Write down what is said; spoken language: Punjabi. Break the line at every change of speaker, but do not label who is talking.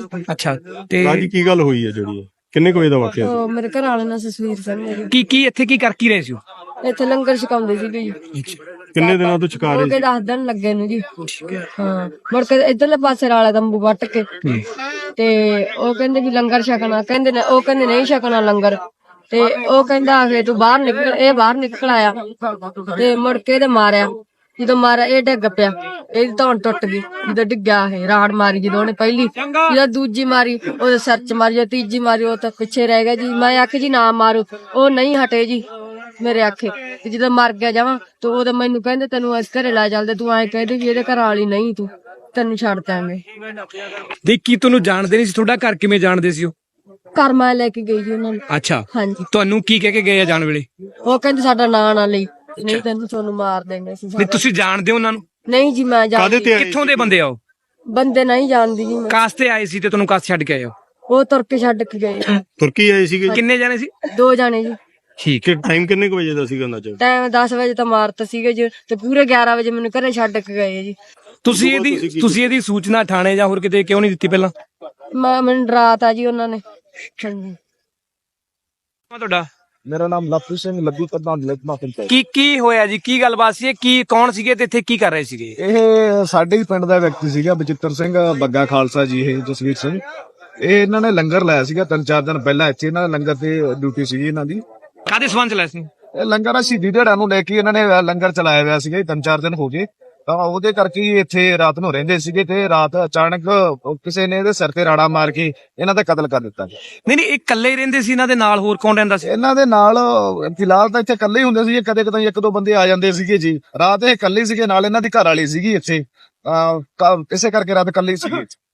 ਅੱਛਾ ਤੇ
ਰਾਜੀ ਕੀ ਗੱਲ ਹੋਈ ਹੈ ਜਿਹੜੀ ਕਿੰਨੇ ਕੁ ਵਜੇ ਦਾ ਵਾਕਿਆ
ਉਹ ਮੇਰੇ ਘਰ ਵਾਲੇ ਨਾਲ ਜਸਵੀਰ ਸਿੰਘ
ਕੀ ਇੱਥੇ ਕੀ ਕਰ ਕੀ ਰਹੇ ਸੀ ਉਹ?
ਇੱਥੇ ਲੰਗਰ ਛਕਾਉਂਦੇ ਸੀਗੇ ਜੀ।
ਕਿੰਨੇ ਦਿਨਾਂ ਤੋਂ ਛਕਾ
ਉਹ
ਰਹੇ
ਕੇ
ਸੀ?
10 ਦਿਨ ਲੱਗੇ ਨੂੰ ਜੀ। ਹਾਂ ਮੁੜ ਕੇ ਇਧਰਲੇ ਪਾਸੇ ਵਾਲਾ ਤੰਬੂ ਵੱਟ ਕੇ ਤੇ ਉਹ ਕਹਿੰਦੇ ਵੀ ਲੰਗਰ ਛਕਣਾ, ਕਹਿੰਦੇ ਨੇ ਉਹ ਕਹਿੰਦੇ ਨਹੀਂ ਛਕਣਾ ਲੰਗਰ, ਤੇ ਉਹ ਕਹਿੰਦਾ ਫੇ ਤੂੰ ਬਾਹਰ ਨਿਕਲ, ਇਹ ਬਾਹਰ ਨਿਕਲ ਆਇਆ ਤੇ ਮੁੜ ਕੇ ਇਹਦੇ ਮਾਰਿਆ। ਜਦੋਂ ਮਾਰਿਆ ਇਹ ਡਿੱਗ ਪਿਆ, ਇਹਦੀ ਧੌਣ ਟੁੱਟ ਗਈ। ਜਦੋਂ ਡਿੱਗਿਆ ਇਹ ਰਾੜ ਮਾਰੀ, ਜਦੋਂ ਉਹਨੇ ਪਹਿਲੀ, ਜਦੋਂ ਦੂਜੀ ਮਾਰੀ ਉਹਦੇ ਸਿਰ ਚ ਮਾਰੀ, ਜਦੋਂ ਤੀਜੀ ਮਾਰੀ ਉਹ ਤਾਂ ਪਿੱਛੇ ਰਹਿ ਗਿਆ ਜੀ। ਮੈਂ ਆਖਿਆ ਜੀ ਨਾ ਮਾਰੂ, ਉਹ ਨਹੀਂ ਹਟੇ ਜੀ ਮੇਰੇ ਆਖੇ। ਤੇ ਜਦੋਂ ਮਰ ਗਿਆ ਜਾਵਾਂ ਤੇ ਉਹਦਾ ਮੈਨੂੰ ਕਹਿੰਦੇ ਤੈਨੂੰ ਘਰੇ ਲੈ ਚੱਲਦੇ, ਤੂੰ ਐਂ ਕਹਿੰਦੇ ਵੀ ਇਹਦੇ ਘਰ ਵਾਲੀ ਨਹੀਂ, ਤੂੰ ਤੈਨੂੰ ਛੱਡ ਦਾਂਗੇ।
ਦੇਖ ਕੀ ਤੁਹਾਨੂੰ ਜਾਣਦੇ ਨਹੀਂ ਸੀ? ਤੁਹਾਡਾ ਘਰ ਕਿਵੇਂ ਜਾਣਦੇ ਸੀ ਉਹ?
ਘਰ ਮੈਂ ਲੈ ਕੇ ਗਈ ਜੀ ਉਹਨਾਂ ਨੂੰ।
ਅੱਛਾ
ਹਾਂਜੀ
ਤੁਹਾਨੂੰ ਕੀ ਕਹਿ ਕੇ ਗਏ ਆ ਜਾਣ ਵੇਲੇ?
ਉਹ ਕਹਿੰਦੇ ਸਾਡਾ ਨਾਂ ਨਾ ਲਈ, ਨਹੀਂ ਤੈਨੂੰ ਤੁਹਾਨੂੰ ਮਾਰ ਦੇਂਗੇ ਅਸੀਂ।
ਨਹੀਂ ਤੁਸੀਂ ਜਾਣਦੇ ਹੋ ਉਹਨਾਂ ਨੂੰ?
ਨਹੀਂ ਜੀ ਮੈਂ
ਕਾਹਦੇ
ਜਾਣਦੀ,
ਤੇ ਆਏ
ਕਿੱਥੋਂ ਦੇ ਬੰਦੇ ਆ ਉਹ?
ਬੰਦੇ ਨਹੀਂ ਜਾਣਦੀ ਜੀ ਮੈਂ।
ਕਾਸ ਤੇ ਆਏ ਸੀ ਤੇ ਤੁਹਾਨੂੰ ਕਾਸ ਛੱਡ ਕੇ ਆਏ ਹੋ?
ਉਹ ਤੁਰ ਕੇ ਛੱਡ ਕੇ ਗਏ।
ਤੁਰਕੀ ਆਏ ਸੀਗੇ?
ਕਿੰਨੇ ਜਾਣੇ ਸੀ?
2 ਜਾਣੇ ਜੀ।
ਠੀਕ
ਕਿ ਟਾਈਮ ਕਿੰਨੇ ਕੁ ਵਜੇ ਦਾ ਸੀਗਾ ਅੰਦਾਜ਼ਾ?
ਟਾਈਮ 10 ਵਜੇ ਤਾਂ ਮਾਰਤ ਸੀਗੇ ਜੀ, ਤੇ ਪੂਰੇ 11 ਵਜੇ ਮੈਨੂੰ ਘਰੇ ਛੱਡ ਕੇ ਗਏ ਜੀ।
ਤੁਸੀਂ ਇਹਦੀ ਸੂਚਨਾ ਥਾਣੇ ਜਾਂ ਹੋਰ ਕਿਤੇ ਕਿਉਂ ਨਹੀਂ ਦਿੱਤੀ ਪਹਿਲਾਂ?
ਮੈਨੂੰ ਡਰਾਤਾ ਜੀ ਉਹਨਾਂ ਨੇ। ਹਾਂਜੀ
ਤੁਹਾਡਾ
ਮੇਰਾ ਨਾਮ ਲਵਪ੍ਰੀਤ ਸਿੰਘ, ਲੱਗੀ ਪ੍ਰਧਾਨ ਲੇਖਮਾ ਪੰਚਾਇਤ।
ਕੀ ਹੋਇਆ ਜੀ? ਕੀ ਗੱਲਬਾਤ ਸੀ? ਕੀ ਕੌਣ ਸੀਗੇ ਤੇ ਇੱਥੇ ਕੀ ਕਰ ਰਹੇ ਸੀਗੇ?
ਇਹ ਸਾਡੇ ਹੀ ਪਿੰਡ ਦਾ ਵਿਅਕਤੀ ਸੀਗਾ, ਬਚਿੱਤਰ ਸਿੰਘ ਬੱਗਾ ਖਾਲਸਾ ਜੀ। ਇਹ ਜਸਵੀਰ ਸਿੰਘ, ਇਹ ਇਹਨਾਂ ਨੇ ਲੰਗਰ ਲਾਇਆ ਸੀਗਾ 3-4 ਦਿਨ ਪਹਿਲਾਂ। ਇੱਥੇ ਇਹਨਾਂ ਦੇ ਲੰਗਰ ਤੇ ਡਿਊਟੀ ਸੀਗੀ ਇਹਨਾਂ ਦੀ।
ਕਾਹਦੇ ਸਬੰਧ ਚ ਲਾਇਆ ਸੀ?
ਇਹ ਲੰਗਰ ਸ਼ਹੀਦੀ ਦਿਹਾੜਾ ਨੂੰ ਲੈ ਕੇ ਇਹਨਾਂ ਨੇ ਲੰਗਰ ਚਲਾਇਆ ਹੋਇਆ ਸੀਗਾ 3-4 ਦਿਨ ਹੋ ਗਏ, ਤਾਂ ਉਹਦੇ ਕਰਕੇ ਹੀ ਇੱਥੇ ਰਾਤ ਨੂੰ ਰਹਿੰਦੇ ਸੀਗੇ। ਤੇ ਰਾਤ ਅਚਾਨਕ ਕਿਸੇ ਨੇ ਇਹਦੇ ਸਿਰ ਤੇ ਰਾੜਾ ਮਾਰ ਕੇ ਇਹਨਾਂ ਦਾ ਕਤਲ ਕਰ ਦਿੱਤਾ।
ਨਹੀਂ ਇਹ ਇਕੱਲੇ ਹੀ ਰਹਿੰਦੇ ਸੀ? ਇਹਨਾਂ ਦੇ ਨਾਲ ਹੋਰ ਕੌਣ ਰਹਿੰਦਾ ਸੀ?
ਇਹਨਾਂ ਦੇ ਨਾਲ ਫਿਲਹਾਲ ਤਾਂ ਇੱਥੇ ਇਕੱਲੇ ਹੀ ਹੁੰਦੇ ਸੀ, ਕਦੇ ਕਦੇ 1-2 ਬੰਦੇ ਆ ਜਾਂਦੇ ਸੀਗੇ ਜੀ। ਰਾਤ ਇਹ ਇਕੱਲੇ ਸੀਗੇ, ਨਾਲ ਇਹਨਾਂ ਦੀ ਘਰ ਵਾਲੀ ਸੀਗੀ ਇੱਥੇ, ਇਸੇ ਕਰਕੇ ਰਾਤ ਇਕੱਲੇ ਸੀਗੇ।